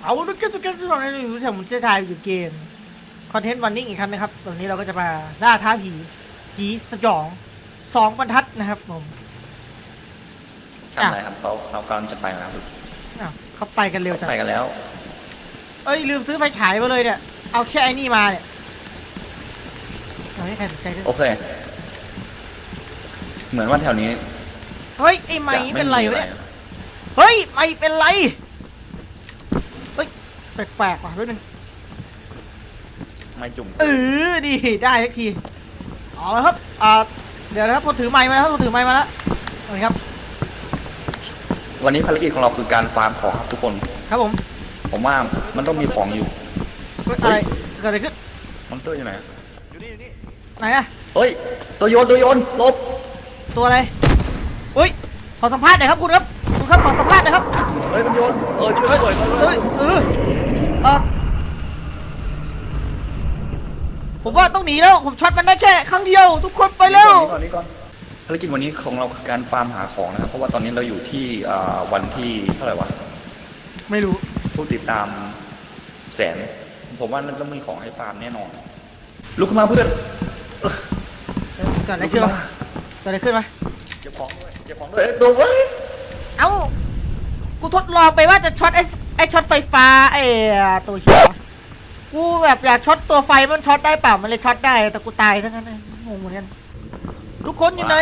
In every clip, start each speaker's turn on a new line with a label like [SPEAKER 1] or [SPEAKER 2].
[SPEAKER 1] เอาลูกแก้วสุดแก้วสุดในอยู่แถวมุนเชียชายอยู่เกมคอนเทนต์วันนิ่งอีกครั้งนะครับวันนี้เราก็จะมาล่าท้าผีสยอง2 บรรทัดนะครับผม
[SPEAKER 2] ทำอะไรครับเขากำลังจะไปแล้วครับ
[SPEAKER 1] อ้าวเขาไปกันเร็วจัง
[SPEAKER 2] ไปกันแล้ว
[SPEAKER 1] เอ้ยลืมซื้อไฟฉายมาเลยเนี่ยเอาแค่ไอ้นี่มาเนี่ยเอาให้ใครสนใจด้วย
[SPEAKER 2] โอเคเหมือนว่าแถวนี้
[SPEAKER 1] เฮ้ยไอ้ไม้เป็นไรวะเนี่ยเฮ้ยไม้เป็นไรเฮ้ยแปลกๆว่ะด้วยนึง
[SPEAKER 2] ไม่จุ่ม
[SPEAKER 1] ดีได้ทักทีเอาละครับเดี๋ยวนะครับผมถือไม้มาแล้วผมถือไม้มาแล้วเอาเลยครับ
[SPEAKER 2] วันนี้ภารกิจของเราคือการฟาร์มของครับทุกคน
[SPEAKER 1] ครับ
[SPEAKER 2] ผมว่ามันต้องมีของอยู่
[SPEAKER 1] อะไรเกิดอะไรขึ้น
[SPEAKER 2] มอนเตอร์อยู่ไหน
[SPEAKER 3] อยู่นี่
[SPEAKER 1] ไหนอะ
[SPEAKER 2] เฮ้ยตัวโยนลบ
[SPEAKER 1] ตัวอะไรอุ้ยขอสัมภาษณ์หน่อยครับคุณครับขอสัมภาษณ์หน่อยครับ
[SPEAKER 2] เฮ้ยมันโยนช่วยด้วย
[SPEAKER 1] ผมว่าต้องหนีแล้วผมช็อตมันได้แค่ครั้งเดียวทุกคนไปเร็ว
[SPEAKER 2] ก่อนภารกิจวันนี้ของเราคือการฟาร์มหาของนะครับเพราะว่าตอนนี้เราอยู่ที่วันที่เท่าไหร่วะ
[SPEAKER 1] ไม่รู้
[SPEAKER 2] ผู้ติดตามแสนผมว่ามันต้องมีของให้ฟาร์มแน่นอนลุกขึ้นมาเพื่อน
[SPEAKER 1] เกิดอะไรขึ้นวะเ
[SPEAKER 2] เจ็บของด้วยตัวเว้ย
[SPEAKER 1] เอ้ากูทดลองไปว่าจะช็อตไอ้ช็อตไฟฟ้าตัวเขียวกูแบบอยากช็อตตัวไฟมันช็อตได้เปล่ามันเลยช็อตได้แต่กูตายซะงั้นงงเหมือนกันทุกคนอยู่ไหน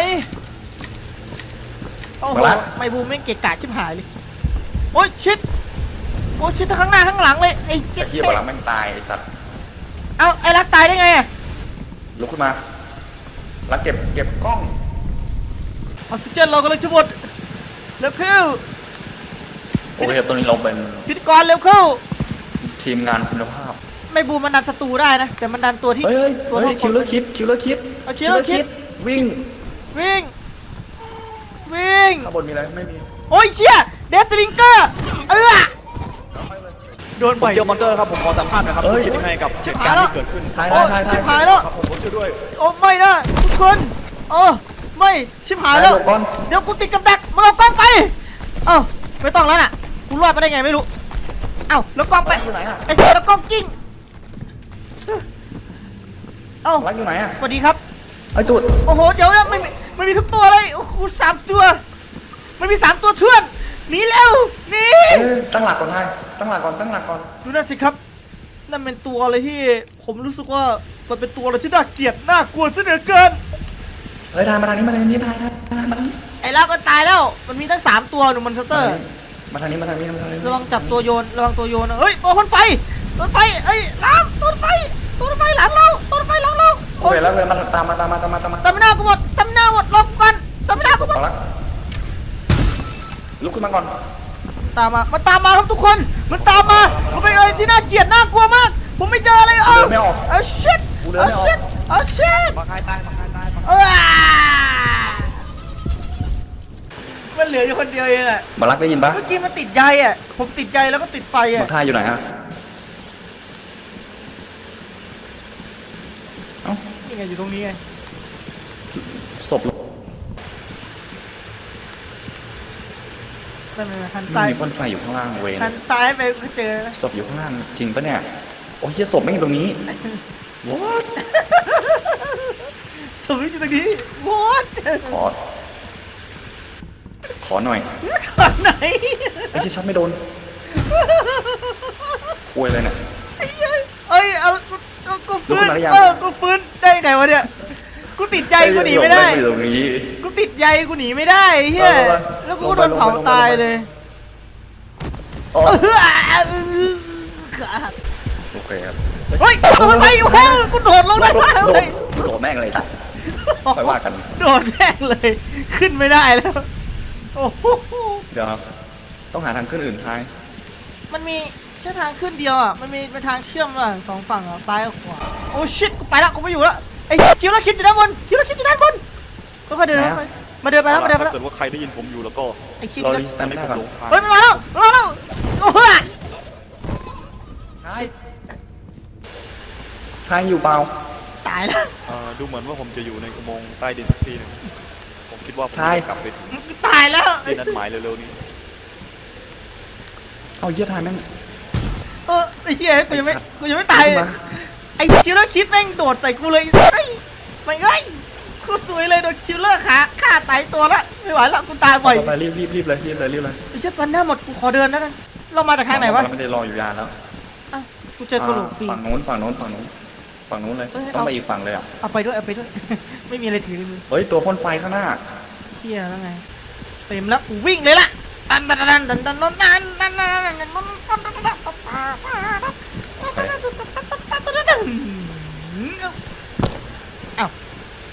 [SPEAKER 1] โอ้โหไม่บูมไม่เกะกะชิบหายเลยโอ้ยชิดทั้งข้างหน้าข้างหลังเลยไอ้ชิด
[SPEAKER 2] ที่บอลลังแม่งตายไอ้สัตว์
[SPEAKER 1] เอ้าไอ้รักตายได้ไง
[SPEAKER 2] ลุกขึ้นมารักเก็บกล้อง
[SPEAKER 1] ออกซิเจนเรากำลังจะหมดเร็วเข้า
[SPEAKER 2] โอเคตรงนี้เราเป็น
[SPEAKER 1] พิธีกรเร็วเข้า
[SPEAKER 2] ทีมงานคุณภาพ
[SPEAKER 1] ไม่บูมมันดันศัตรูได้นะแต่มันดันตัวที่
[SPEAKER 2] ตัวคิวเลอร์คิดวิ่งข้างบนมีอะไรไม่มี
[SPEAKER 1] โอ้ยเชี่ยเดสลิงเกอร์โดนบ่อย
[SPEAKER 3] เจอมอนเตอร์ครับผมขอสัมภาษณ์หน่อยครับคุณคิดยังไงกับเหตุการณ์ที่เกิดขึ้น
[SPEAKER 1] ชิบหายแล้ว
[SPEAKER 3] ผมช่วยด้วย
[SPEAKER 1] โอ้ไม่นะทุกคนไม่ชิบหายแล้วเดี๋ยวกูติดกับดักมาเอากล้องไปไม่ต้องแล้วน่ะกูรอดมาได้ไงไม่รู้แล้วกล้องไปไอ้เสือแล้วกล้องกิ้ง
[SPEAKER 2] รักอยู่ไหนอ่ะ
[SPEAKER 1] สวัสดีครับ
[SPEAKER 2] ไอ้ตัว
[SPEAKER 1] โอ้โหเดี๋ยวนะไม่มีทุกตัวเลยโอ้โห3 ตัวมันมี3 ตัวเทื่อนหนีเร็วหนี
[SPEAKER 2] ตั้งหลักก่อนตั้งหลักก่อน
[SPEAKER 1] ดูนั่นสิครับนั่นเป็นตัวอะไรที่ผมรู้สึกว่ามันเป็นตัวอะไรที่น่าเกลียดน่ากลัวซะเหลือเกิน
[SPEAKER 2] เฮ้ยทายมาทางนี้ทาย
[SPEAKER 1] ไอ้แล้วก็ตายแล้วมันมีทั้ง3 ตัวหนูมอนสเตอร์
[SPEAKER 2] มาทางนี้
[SPEAKER 1] ระวังจับตัวโยนนะเฮ้ยโอ้ต้นไฟเอ้ยล้ามต้นไฟหลังเรา
[SPEAKER 2] โอเคแล้วเลยมาตามมา
[SPEAKER 1] สตามิน่ากูหมดรอกูก่อนสตามิน่ากูหมด
[SPEAKER 2] ลุกขึ้นมาก่อน
[SPEAKER 1] ตามมาครับทุกคนมันตามมามันเป็นอะไรที่น่าเกลียดน่ากลัวมากผมไม่เจออะไร
[SPEAKER 2] ไม่ออก
[SPEAKER 1] ชิต
[SPEAKER 3] มาคายตาย
[SPEAKER 1] มันเหลืออยู่คนเดียวเองอะ
[SPEAKER 2] มารักได้ยินปะ
[SPEAKER 1] เมื่อกี้มันติดใจอะผมติดใจแล้วก็ติดไฟอะ
[SPEAKER 2] ท่าอยู่ไหนฮะ
[SPEAKER 1] นี่ไงอยู่ตรงนี้ไง
[SPEAKER 2] ศพ
[SPEAKER 1] ไม่หันซ้าย
[SPEAKER 2] มีพ่นไฟอยู่ข้างล่างเว้ย
[SPEAKER 1] หันซ้ายไปก็เจอ
[SPEAKER 2] ศพอยู่ข้างล่างจริงปะเนี่ยโอ้ยศพไม่อยู่ตรงนี้ what
[SPEAKER 1] ศพไม่อยู่ตรงนี้ what
[SPEAKER 2] ขอหน่อยไอ้ที่ช็อตไม่โดนคุยเลยเนี่ย
[SPEAKER 1] กูฟื้นกูฟื้นได้ไงวะเนี่ยกูติดใจกูหนีไม่ได้กูติดใจกูหนีไม่ได้เฮ้ยแล้วกูโดนเผาตายเลย
[SPEAKER 2] โอเคครับ
[SPEAKER 1] เฮ้ยโดนไฟอยู่แห้งกูโดดลงได้เลย
[SPEAKER 2] โดดแม่งเลยค่อยว่ากัน
[SPEAKER 1] โดดแม่งเลยขึ้นไม่ได้แล้วโอ้โห
[SPEAKER 2] เดี๋ยวต้องหาทางขึ้นอื่นท้าย
[SPEAKER 1] มันมีแค่ทางขึ้นเดียวมันมีเป็นทางเชื่อมระหว่าง2 ฝั่งซ้ายกับขวาโอ้ชิตกูไปละกูไม่อยู่แล้วไอ้คิวแล้วคิดอยู่ด้านบนค่อยๆเดินมาเดินไปแล้ว
[SPEAKER 3] ถ้าเกิดว่าใครได้ยินผมอยู่แล้วก็
[SPEAKER 1] ไอ้ชิต
[SPEAKER 2] เราลิสต์ไม่ได้ก่อน
[SPEAKER 1] เฮ้ยมันมาแล้วโอ้โห
[SPEAKER 2] ทายอยู่เปล่า
[SPEAKER 1] ตายแล้ว
[SPEAKER 3] ดูเหมือนว่าผมจะอยู่ในอุโมงค์ใต้ดินสักทีนึงผมคิดว่าผมจะกลับไป
[SPEAKER 1] ตายแล้ว
[SPEAKER 3] ที่นัดหมายเร็วๆนี้
[SPEAKER 2] เอาเยี่ยทายแม่ง
[SPEAKER 1] ไอ้เหี้ยกูยังไม่ตายเลยไอ้คิวเลอร์คิดแม่งโดดใส่กูเลยไอ้ไม่ไงกูสวยเลยโดนคิวเลอร์ฆ่าตายตัวละไม่ไหวละกูตายบ่อย
[SPEAKER 2] ไปรีบเลย
[SPEAKER 1] ไอ้เชี่ยตอนหน้าหมดกูขอเดินแล้วกันเรามาจากทางไหนวะ
[SPEAKER 2] เราไม่ได้รออยู่ยานแล้ว
[SPEAKER 1] อ้าวกูเจอคนหลงฟรี
[SPEAKER 2] ฝั่งนู้นเลย
[SPEAKER 1] เอ้ย
[SPEAKER 2] ต้อง
[SPEAKER 1] เอา
[SPEAKER 2] ไปอีกฝั่งเลยอ่ะ
[SPEAKER 1] เอาไปด้วย ไม่มีอะไรถือในมือ
[SPEAKER 2] เฮ้ยตัวพ่นไฟข้างหน้า
[SPEAKER 1] เชี่ยแล้วไงเต็มแล้วกูวิ่งเลยล่ะตันอ้าว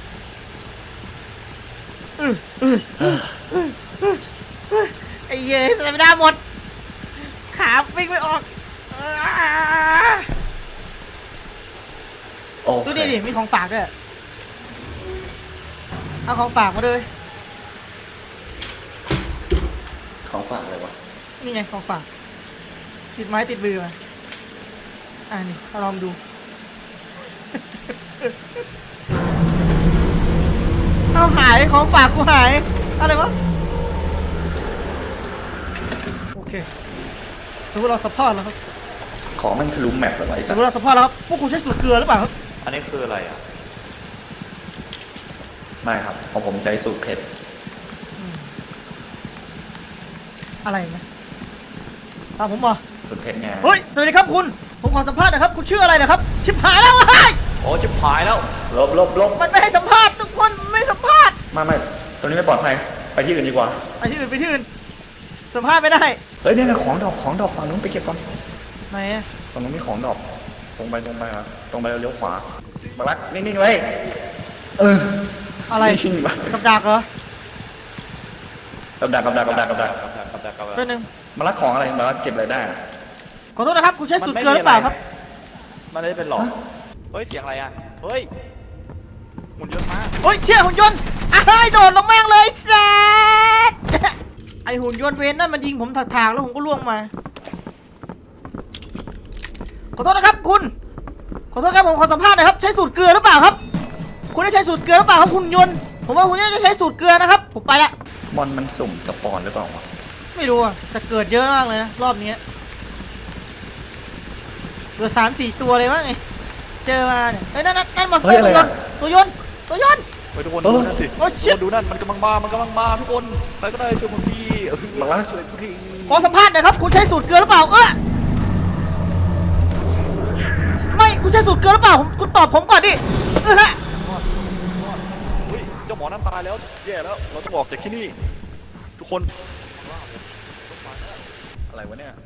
[SPEAKER 1] ไอ้เหี้ยสไม่ได้หมดขาวิ่งไม่ออก
[SPEAKER 2] โอเค
[SPEAKER 1] ดูดิมีของฝากด้วยเอาของฝากมาด้วย
[SPEAKER 2] ของฝากเลยวะ
[SPEAKER 1] นี่ไงของฝากติดไม้ติดมือมานี่ลองดู เอาหายของฝากกูหายอะไรวะโอเคสมมติเราซัพพอร์ตแล้วครับ
[SPEAKER 2] ของมันทะลุแมปเลยวะไอ้
[SPEAKER 1] ส
[SPEAKER 2] สั
[SPEAKER 1] ม
[SPEAKER 2] ส
[SPEAKER 1] มติเราซัพพอร์ตแล้วครับพวกคุณใช้สูตรเกลือหรือเปล่าครับ
[SPEAKER 3] อันนี้คืออะไรอ่ะ
[SPEAKER 2] ไม่ครับของผมใจสูตรเผ็ด
[SPEAKER 1] อะไรนะตามผมมา
[SPEAKER 2] สูตรเผ็ดไง
[SPEAKER 1] เฮ้ยสวัสดีครับคุณผมขอสัมภาษณ์นะครับคุณชื่ออะไรนะครับชิบหายแล้วเฮ้ย
[SPEAKER 3] โอ้ชิบหายแล้ว
[SPEAKER 2] ลบ
[SPEAKER 1] มันไม่ให้สัมภาษณ์ทุกคนไม่สัมภาษณ์
[SPEAKER 2] ไม่ตรงนี้ไม่ปลอดภัยไปที่อื่นดีกว่า
[SPEAKER 1] ไปที่อื่นสัมภาษณ์ไม่ได้
[SPEAKER 2] เฮ้ยเนี่ยของดอกฝั่งนู้นไปเก็บก่อน
[SPEAKER 1] ไหนอะ
[SPEAKER 2] ฝั่งนู้นมีของดอกตรงไปครับตรงไปแล้วเลี้ยวขวามาลักนิ่งๆไว้
[SPEAKER 1] อะไร
[SPEAKER 2] นิ่งๆไว้
[SPEAKER 1] กับดักเหรอ
[SPEAKER 2] กับดัก
[SPEAKER 1] ตัวหนึ่ง
[SPEAKER 2] มาลักของอะไรมาลักเก็บอะไรได้
[SPEAKER 1] ขอโทษนะครับคุณใช้สูตรเกลือหรือเปล่าครับ
[SPEAKER 3] มันไม่ได้เป็นหลอกเฮ้ยเสียงอะไรอ่ะเฮ้ยหุ่นยนต์มา
[SPEAKER 1] โอ้ยเชี่ยหุ่นยนต์โดดลงแม่งเลยแซด ไอหุ่นยนต์เวนนั่นมันยิงผมถากๆแล้วผมก็ล่วงมาขอโทษนะครับคุณขอโทษครับผมขอสัมภาษณ์หน่อยครับใช้สูตรเกลือหรือเปล่าครับคุณได้ใช้สูตรเกลือหรือเปล่าครับหุ่นยนต์ผมว่าคุณน่าจะใช้สูตรเกลือนะครับผมไปละ
[SPEAKER 2] มอนมันสุ่มสปอนหรือเปล่าวะ
[SPEAKER 1] ไม่รู้อะแต่เกิดเยอะมากเลยนะรอบนี้เกิด3-4 ตัวเลยมั้งไงเจอมาเนี่ยนั่นมอนสเตอร์ตัวยนต์
[SPEAKER 3] เฮ้ยทุกคนดูนั่นสิ
[SPEAKER 1] โอ้ชิต
[SPEAKER 3] ดูนั่นมันกำลังมาทุกคนใครก็ได้ช่วยผมทีช่วยผมที
[SPEAKER 1] ขอสัมภาษณ์หน่อยครับคุณใช้สูตรเกลือหรือเปล่าไม่คุณใช้สูตรเกลือหรือเปล่าคุณตอบผมก่อนดิฮะ
[SPEAKER 3] เฮ้ยเจ้าหมอนั่นตายแล้วแย่แล้วเราต้องออกจากที่นี่ทุกคน
[SPEAKER 2] อะไรวะเนี่ย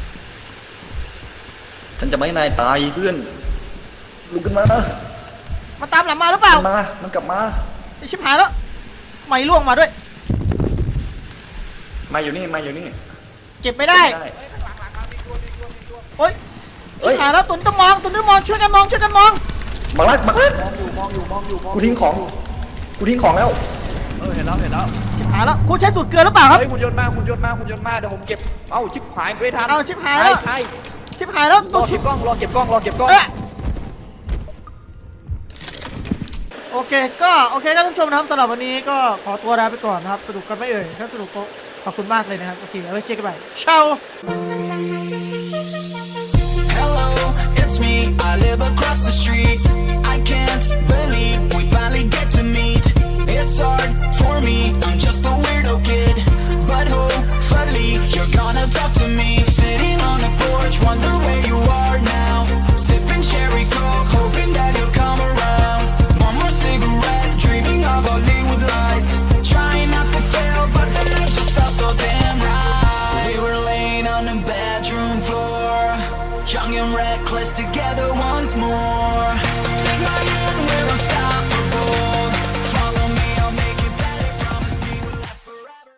[SPEAKER 2] ฉันจะไม่ให้นายตายเพื่อนลุกขึ้นมา
[SPEAKER 1] มาตามหลังมาหรือเปล่า
[SPEAKER 2] มันกลับมา
[SPEAKER 1] ไอชิบหายแล้วไม่ล่วงมาด้วย
[SPEAKER 2] มาอยู่นี่
[SPEAKER 1] เก็บไม่ได้โอ๊ยชิบหายแล้วตุนต้องมองช่วยกันมอง
[SPEAKER 2] มาลัก
[SPEAKER 3] มองอยู่
[SPEAKER 2] กูทิ้งของแล้ว
[SPEAKER 3] เห็นแล้ว
[SPEAKER 1] ชิบหายแล้วคุณใช้สูตรเกลือหรือเปล่าครับ
[SPEAKER 3] เฮ้ยหุ่นยนต์มาเดี๋ยวผมเก็บเอ้าชิบหายไม่ทัน
[SPEAKER 1] เอาชิบหายแล้ว
[SPEAKER 3] ใช่
[SPEAKER 1] ชิบหายแล้ว
[SPEAKER 3] ร
[SPEAKER 1] ตั
[SPEAKER 3] อ
[SPEAKER 1] ว
[SPEAKER 3] เก็บกล้อง
[SPEAKER 1] โอเคครับท่านผู้ชมนะครับสำหรับวันนี้ก็ขอตัวลาไปก่อนนะครับสนุกกันไหม่เอ่ยถ้าสนุกก็ขอบคุณมากเลยนะครับโอเคเอาไว้เจอกันใหม่เช้า
[SPEAKER 4] Hello, it's me. I live across the street. I can't believe we finally get to meet. It's hard for me. I'm just a weirdo kid, but hopefully you're gonna talk to me. Sitting on the porch, wonder where you are now. Sipping cherry coke, hoping that you'll come around. One more cigarette, dreaming of Hollywood lights. Trying not to fail, but the night just felt so damn right. We were laying on the bedroom floor, young and reckless together once more.